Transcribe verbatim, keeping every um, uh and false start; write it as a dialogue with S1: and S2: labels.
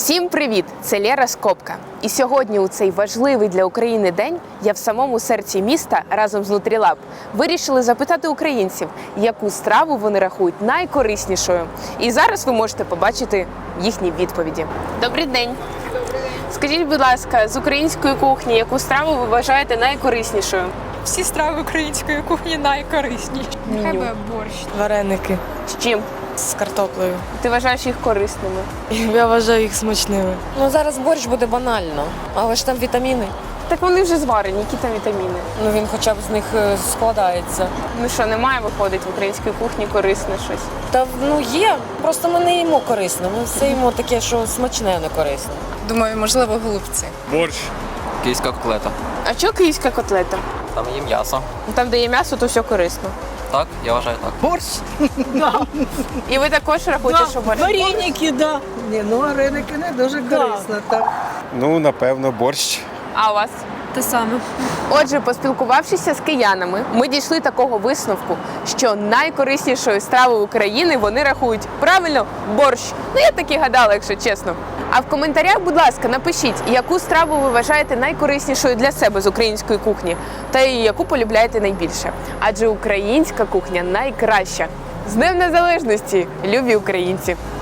S1: Всім привіт! Це Лера Скопка. І сьогодні у цей важливий для України день я в самому серці міста разом з Нутрілаб вирішили запитати українців, яку страву вони рахують найкориснішою. І зараз ви можете побачити їхні відповіді. Добрий день! Скажіть, будь ласка, з української кухні, яку страву ви вважаєте найкориснішою?
S2: Всі страви української кухні найкорисніші. Нехай би борщ.
S3: Вареники
S1: З чим?
S3: з картоплею.
S1: Ти вважаєш їх корисними?
S3: Я вважаю їх смачними.
S4: Ну зараз борщ буде банально, але ж там вітаміни.
S1: Так вони вже зварені, які там вітаміни?
S4: Ну він хоча б з них е, складається.
S1: Ну що, немає, виходить, в українській кухні корисне щось?
S4: Та ну є, просто ми не їмо корисно. Ми все їмо таке, що смачне, а не корисне.
S2: Думаю, можливо, голубці.
S5: Борщ.
S6: Київська котлета.
S1: А чого київська котлета?
S6: Там є м'ясо.
S1: Там, де є м'ясо, то все корисно.
S6: Так, я вважаю так.
S7: Борщ?
S1: І ви також рахуєте, що борщ?
S7: Вареники, да. Ні, ну вареники не дуже корисно. Так.
S5: Ну, напевно, борщ.
S1: А у вас?
S2: Те саме.
S1: Отже, поспілкувавшися з киянами, ми дійшли такого висновку, що найкориснішою стравою України вони рахують правильно борщ. Ну я так і гадала, якщо чесно. А в коментарях, будь ласка, напишіть, яку страву ви вважаєте найкориснішою для себе з української кухні, та й яку полюбляєте найбільше. Адже українська кухня найкраща. З Днем Незалежності, любі українці!